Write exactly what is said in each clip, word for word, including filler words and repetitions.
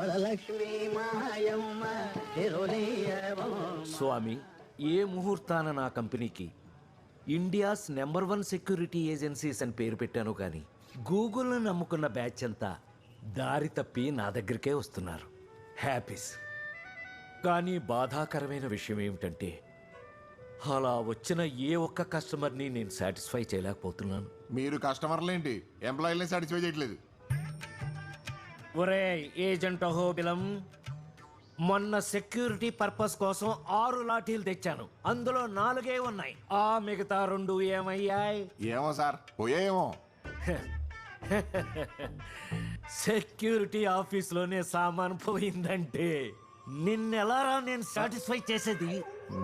స్వామి, ఏ ముహూర్తాన నా కంపెనీకి India's number one security agencies అని పేరు పెట్టాను కానీ గూగుల్ను నమ్ముకున్న బ్యాచ్ అంతా దారి తప్పి నా దగ్గరికే వస్తున్నారు. హ్యాపీస్. కానీ బాధాకరమైన విషయం ఏమిటంటే అలా వచ్చిన ఏ ఒక్క కస్టమర్ని నేను సాటిస్ఫై చేయలేకపోతున్నాను. మీరు కస్టమర్లేంటి, ఎంప్లాయీలని సాటిస్ఫై చేయట్లేదు. ఒరే ఏజెంట్ అహోబిలం, మొన్న సెక్యూరిటీ పర్పస్ కోసం ఆరు లాఠీలు తెచ్చాను. అందులో నాలుగే ఉన్నాయి. ఆ మిగతా రెండు ఏమయ్యాయి? ఏమో సార్, పోయేమో. సెక్యూరిటీ ఆఫీస్లోనే సామాన్ పోయిందంటే నిన్నెలారా నేను సాటిస్ఫై చేసేది?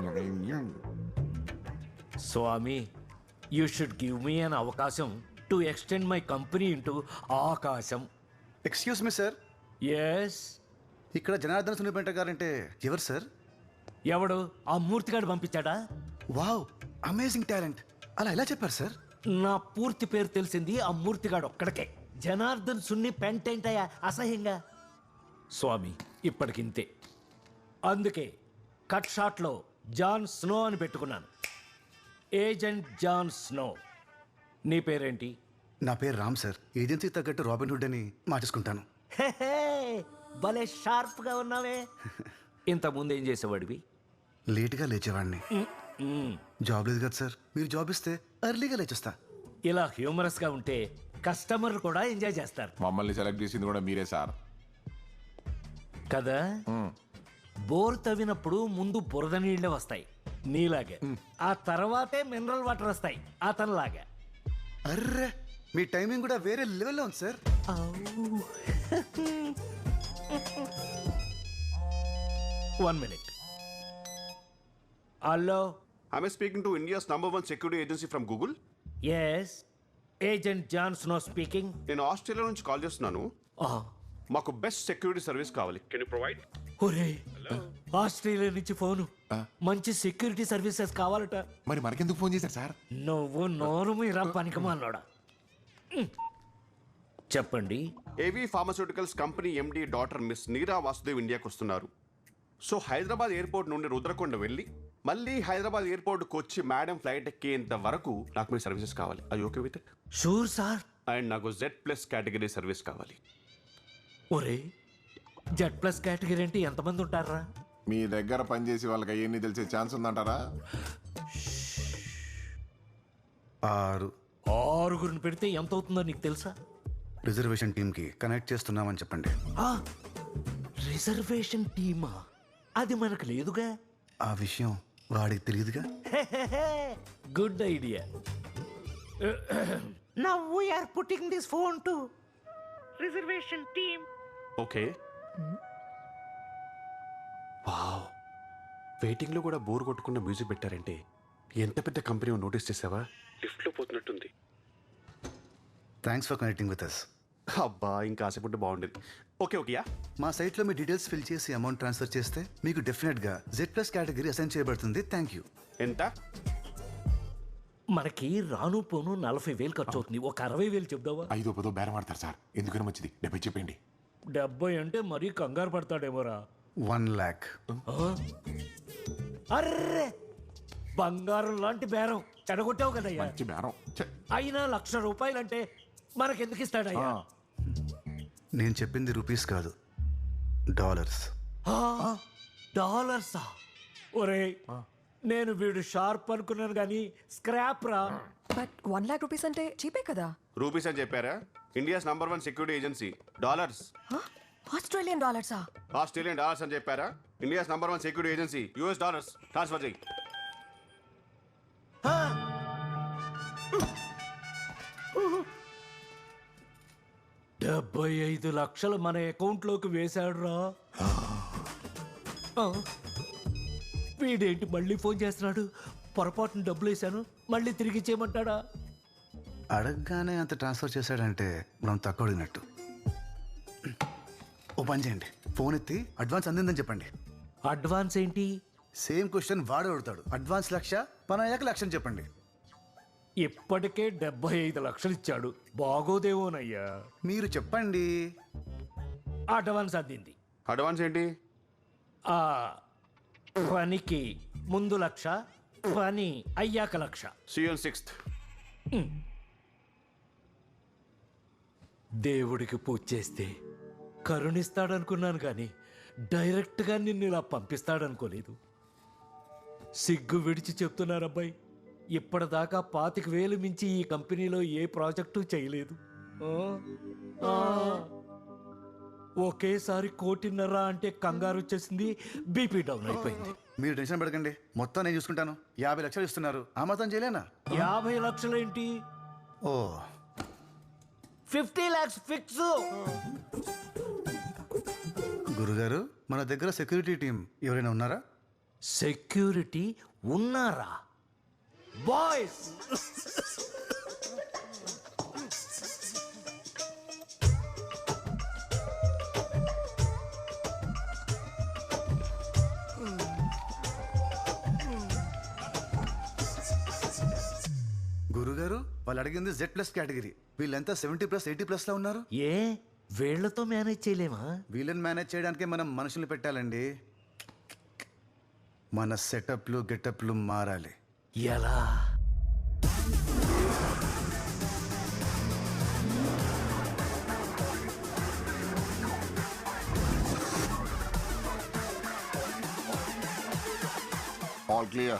స్వామి, you should give me an అవకాశం to extend my company into ఆకాశం. Excuse me sir. ఎస్. ఇక్కడ జనార్దన్ సునిపెంట గారంటే ఎవరు సార్? ఎవడు? ఆ మూర్తిగాడు పంపించాడా? Wow, amazing talent. అలా ఎలా చెప్పారు సార్? నా పూర్తి పేరు తెలిసింది ఆ మూర్తిగాడు ఒక్కడికే. జనార్దన్ సున్ని పెంటేంటయా అసహ్యంగా. స్వామి, ఇప్పటికింతే. అందుకే కట్ షాట్లో జాన్ స్నో అని పెట్టుకున్నాను. Agent John Snow. నీ పేరేంటి? నా పేరు రామ్ సార్. ఏజెన్సీ తగ్గట్టు రాబిన్ హుడ్ అని మార్చేసుకుంటాను. భలే షార్ప్ గా ఉన్నావే. ఇంతకుముందు ఏం చేసేవాడివి? లేట్గా లేచేవాడిని. జాబ్ లేదు కదా సార్, మీరు జాబ్ ఇస్తే ఎర్లీగా లేచేస్తా. ఇలా హ్యూమరస్ గా ఉంటే కస్టమర్లు కూడా ఎంజాయ్ చేస్తారు. మమ్మల్ని సెలెక్ట్ చేసింది కూడా మీరే సార్ కదా. బోర్ తవ్వినప్పుడు ముందు బురద నీళ్లే వస్తాయి నీలాగే, ఆ తర్వాతే మినరల్ వాటర్ వస్తాయి అతనిలాగా. అర్రే, మీ టైమింగ్ కూడా వేరే లెవెల్లో ఉంది sir. One minute. Hello. Am I speaking to India's number one security agency from Google? Yes, agent John Snow speaking. నేను ఆస్ట్రేలియా నుంచి కాల్ చేస్తున్నాను. మాకు బెస్ట్ సెక్యూరిటీ సర్వీస్ కావాలి. Can you provide? ఒరే, ఆస్ట్రేలియా నుంచి ఫోను. మంచి సెక్యూరిటీ సర్వీసెస్ కావాలట. మరి మనకెందుకు ఫోన్ చేశారు సార్? నువ్వు నోరు మీరా పనికిమాలోడా. చెప్పండి. AV pharmaceuticals company MD doctor miss Neera Vasudev ఇండియాకి వస్తున్నారు. సో హైదరాబాద్ ఎయిర్పోర్ట్ నుండి రుద్రకొండ వెళ్ళి మళ్ళీ హైదరాబాద్ ఎయిర్పోర్ట్కి వచ్చి మేడం ఫ్లైట్ ఎక్కేంత వరకు నాకు మీ సర్వీసెస్ కావాలి. అది okay with it? Sure sir. And నాకు జెడ్ ప్లస్ కేటగిరీ సర్వీస్ కావాలి. ఒరే, జెడ్ ప్లస్ కేటగిరీ అంటే ఎంతమంది ఉంటారా? మీ దగ్గర పనిచేసి వాళ్ళకి అవన్నీ తెలిసే ఛాన్స్ ఉందంటారా? ఆరు. ఆరుగురిని పెడితే ఎంత అవుతుందో నీకు తెలుసా? రిజర్వేషన్ టీమ్కి కనెక్ట్ చేస్తున్నామని చెప్పండి. రిజర్వేషన్ టీమా? అది మనకు లేదుగా. ఆ విషయం వాడికి తెలియదుగా. Good idea. Now we are putting this phone to reservation team. Okay. Wow, వెయిటింగ్లో కూడా బోర్ కొట్టుకున్న మ్యూజిక్ పెట్టారంటే ఎంత పెద్ద కంపెనీ నోటీస్ చేసావా? లిఫ్ట్లో పోతున్నట్టుంది. Thanks for connecting with us. అబ్బా, ఇంకా ఆశపడితే బాగుండేది. ఓకే ఓకేయా. మా సైట్లో మీ డీటెయిల్స్ ఫిల్ చేసి అమౌంట్ ట్రాన్స్ఫర్ చేస్తే మీకు డెఫినెట్గా జెడ్ ప్లస్ కేటగిరీ అసైన్ చేయబడుతుంది. Thank you. ఎంత? మనకి రాను పోను నలభై వేలు ఖర్చు అవుతుంది. ఒక అరవై వేలు చెప్దావా? ఐదో పదో బేరం ఆడతారు సార్, ఎందుకని మంచిది. డెబ్బై చెప్పండి. డెబ్బై అంటే మరీ కంగారు పడతాడేమోరా. వన్ ల్యాక్. అర్రే, బంగారం లాంటి బేరం చెడగొట్టావు కదయ్యా. మంచి బేరం. ఛే. అయినా లక్ష రూపాయలంటే మనకెందుకు ఇస్తాడయ్యా? నేను చెప్పింది రూపీస్ కాదు, డాలర్స్. డాలర్సా? ఒరే, నేను వీడు షార్ప్ అనుకున్నాను కానీ స్క్రాప్ రా. బట్ వన్ లాక్ రూపీస్ అంటే చీపే కదా. రూపీస్ అని చెప్పారా? India's number one security agency. Dollars. Australian డాలర్సా? ఆస్ట్రేలియన్ డాలర్స్ అని చెప్పారా? India's number one security agency US dollars. Transfer చేయి. డెబ్బై ఐదు లక్షలు మన అకౌంట్లోకి వేశాడు రా. వీడేంటి మళ్ళీ ఫోన్ చేస్తున్నాడు? పొరపాటున డబ్బులు వేశాను, మళ్ళీ తిరిగి ఇచ్చేయమంటాడా? అడగగానే అంత ట్రాన్స్ఫర్ చేశాడంటే మనం తక్కువ అడిగినట్టు. ఓ పని చేయండి, ఫోన్ ఎత్తి అడ్వాన్స్ అందిందని చెప్పండి. అడ్వాన్స్ ఏంటి? సేమ్ క్వశ్చన్ వాడు అడుగుతాడు. అడ్వాన్స్ లక్ష, పని అయ్యాక లక్ష అని చెప్పండి. ఇప్పటికే డెబ్బై ఐదు లక్షలు ఇచ్చాడు, బాగోదేమోనయ్యా. మీరు చెప్పండి. అడ్వాన్స్ అందింది. అడ్వాన్స్ ఏంటి? ఆ పనికి ముందు లక్ష, పని అయ్యాక లక్ష. CN sixth. దేవుడికి పూజ చేస్తే కరుణిస్తాడనుకున్నాను కానీ డైరెక్ట్గా నిన్ను ఇలా పంపిస్తాడనుకోలేదు. సిగ్గు విడిచి చెప్తున్నారబ్బాయి, ఇప్పటిదాకా పాతిక వేలు మించి ఈ కంపెనీలో ఏ ప్రాజెక్టు చేయలేదు. ఆ, ఆ, ఒకేసారి కోటిన్నర అంటే కంగారు వచ్చేసింది, బీపీ డౌన్ అయిపోయింది. మీరు టెన్షన్ పడకండి, మొత్తం నేను చూసుకుంటాను. యాభై లక్షలు ఇస్తున్నారు, ఆ మాత్రం చేయలేనా? యాభై లక్షలేంటి, ఓ ఫిఫ్టీ లాక్స్ ఫిక్స్. గురుగారు, మన దగ్గర సెక్యూరిటీ టీం ఎవరైనా ఉన్నారా? సెక్యూరిటీ ఉన్నారా? బాయ్స్, గురుగారు, వాళ్ళు అడిగింది జెడ్ ప్లస్ కేటగిరీ. వీళ్ళంతా సెవెంటీ ప్లస్ ఎయిటీ ప్లస్ లో ఉన్నారు. ఏ వీళ్లతో మేనేజ్ చేయలేమా? వీళ్ళని మేనేజ్ చేయడానికి మనం మనుషులు పెట్టాలండి. మన సెటప్లు గెటప్లు మారాలి. ఎలా? All clear.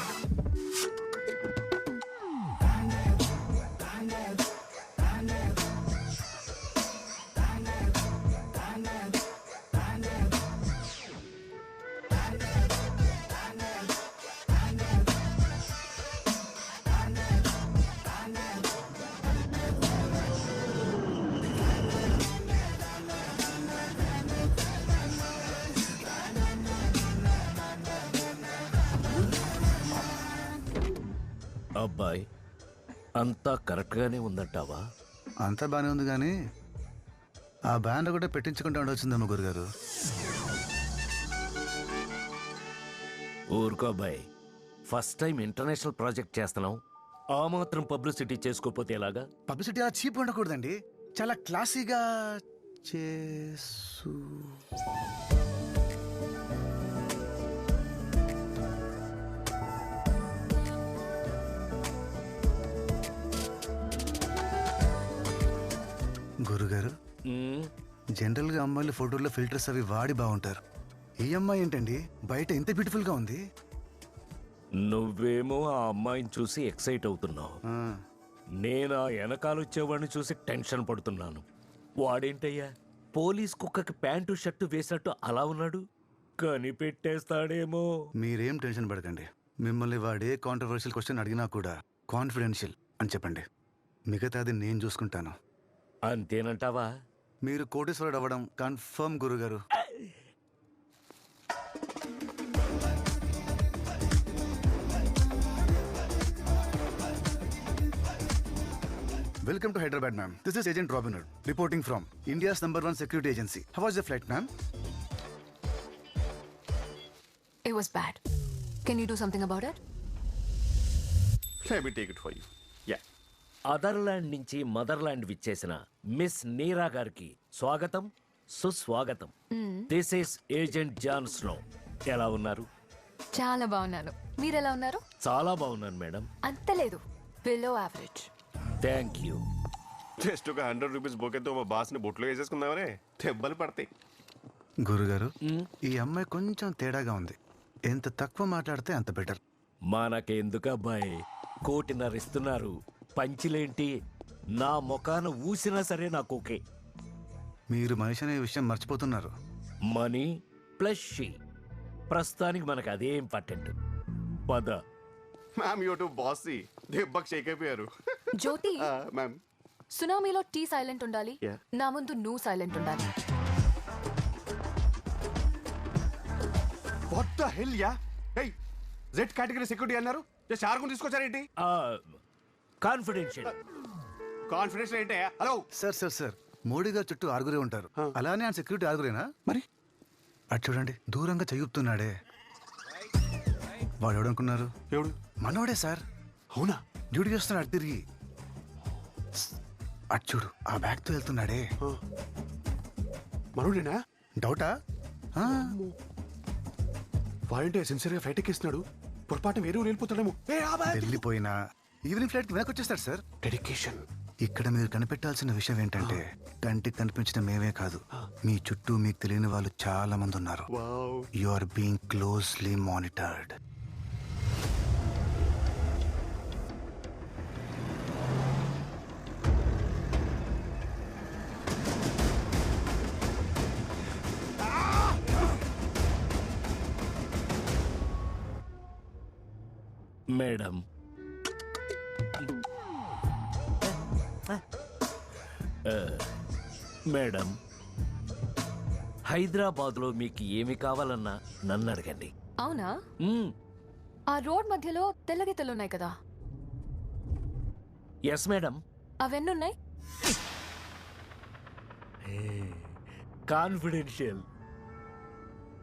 అబ్బాయి, అంతా కరెక్ట్గానే ఉందంటావా? అంతా బాగానే ఉంది కానీ ఆ బ్యాన్ కూడా పెట్టించుకుంటూ ఉండొచ్చిందమ్మ గురుగారు. ఊరుకో అబ్బాయి, ఫస్ట్ టైం ఇంటర్నేషనల్ ప్రాజెక్ట్ చేస్తున్నావు, ఆ మాత్రం పబ్లిసిటీ చేసుకోపోతే ఎలాగా? పబ్లిసిటీ అలా చీప్ ఉండకూడదండి, చాలా క్లాసీగా చేసు. గురుగారు, మ్మ్. జనరల్ గా అమ్మాయిలు ఫోటోల్లో ఫిల్టర్స్ అవి వాడి బాగుంటారు. ఈ అమ్మాయి ఏంటండి బయట ఇంత బ్యూటిఫుల్ గా ఉంది? నువ్వేమో ఆ అమ్మాయిని చూసి ఎక్సైట్ అవుతున్నావు, ఆ, నేను ఆ వెనకాల వచ్చేవాడిని చూసి టెన్షన్ పడుతున్నాను. వాడేంటయ్యా పోలీస్ కుక్కకి ప్యాంటు షర్టు వేసినట్టు అలా ఉన్నాడు, కనిపెట్టేస్తాడేమో. మీరేం టెన్షన్ పడకండి. మిమ్మల్ని వాడే కాంట్రవర్షియల్ క్వశ్చన్ అడిగినా కూడా కాన్ఫిడెన్షియల్ అని చెప్పండి, మిగతాది నేను చూసుకుంటాను. అంతేనంటావా? మీరు కోటేశ్వరుడు అవ్వడం కన్ఫర్మ్ గురుగారు. Welcome to Hyderabad ma'am. This is agent Robin Hood reporting from India's number one security agency. How was the flight ma'am? It was bad. Can you do something about it? Let me take it for you. Yeah. అదర్లాండ్ నుంచి మదర్లాండ్ విచ్చేసిన miss Neera గారికి స్వాగతం, సుస్వాగతం. This is agent John Snow. ఎలా ఉన్నారు? చాలా బాగున్నాను. మీరు ఎలా ఉన్నారు? చాలా బాగున్నాను మేడం. అంత లేదు, below average. Thank you. Just ఒక హండ్రెడ్ రూపీస్ బొకేతో మా బాస్ని బొట్లో వేసేసుకుందామనే, దెబ్బలు పడతాయి. గురుగారు, ఈ అమ్మాయి కొంచెం తేడాగా ఉంది. ఎంత తక్కువ మాట్లాడితే అంత బెటర్. మనకెందుకు అబ్బాయి, కోటిన్నర ఇస్తున్నారు, పంచిలేంటి? నా ముఖాన ఊసినా సరే నాకు ఓకే. మీరు మనిషి అనే విషయం మర్చిపోతున్నారు. మనీ ప్లస్ షీ, ప్రస్తుతానికి మనకు అదే ఇంపార్టెంట్. పద. మ్యామ్ యూ టు బాసీ, దెబ్బకి షేక్ అయిపోయారు. జ్యోతి, మ్యామ్ సునామీలో టీ సైలెంట్ ఉండాలి, Yeah. నా ముందు నువ్వు సైలెంట్ ఉండాలి. వాట్ ద హెల్ యా? హే, జెడ్ కేటగిరీ సెక్యూరిటీ అన్నారు, జస్ట్ ఆరుగురు తీసుకొచ్చారేంటి? కాన్ఫిడెన్షియల్. కాన్ఫిడెన్స్ ఏంటే? Hello sir sir sir Modi garu చుట్టూ ఆరుగురే ఉంటారు, అలానే ఆయన సెక్యూరిటీ ఆరుగురేనా? మరి అటు చూడండి, దూరంగా చెయ్యుపుతున్నాడే. వాడు ఎవడనుకున్నారు? ఎవడు? మనోడే సార్. అవునా? డ్యూటీ చేస్తున్నాడు అటు తిరిగి. అటు చూడు, ఆ బ్యాగ్తో వెళ్తున్నాడే. మనోడేనా? డౌటా? ఆ, వాడంటే సిన్సియర్గా ఫ్లైట్ ఎక్కిస్తున్నాడు, పొరపాటు వేరే ఊరు వెళ్ళిపోతాడేమో. ఏ, ఆబాయ్! వెళ్ళిపోయినా ఈవినింగ్ ఫ్లైట్ కి వెనక్కి వచ్చేస్తాడు సార్. డెడికేషన్. ఇక్కడ మీరు కనిపెట్టాల్సిన విషయం ఏంటంటే కంటికి కనిపించిన మేమే కాదు, మీ చుట్టూ మీకు తెలియని వాళ్ళు చాలా మంది ఉన్నారు. Wow. You are being closely monitored. Madam, ఆ, మేడం, హైదరాబాద్లో మీకు ఏమి కావాలన్నా నన్ను అడగండి. అవునా? మ్మ్. ఆ రోడ్ మధ్యలో తెల్ల గీతలు ఉన్నాయి కదా, ఎస్ మేడం. అవెన్నున్నాయి? కాన్ఫిడెన్షియల్.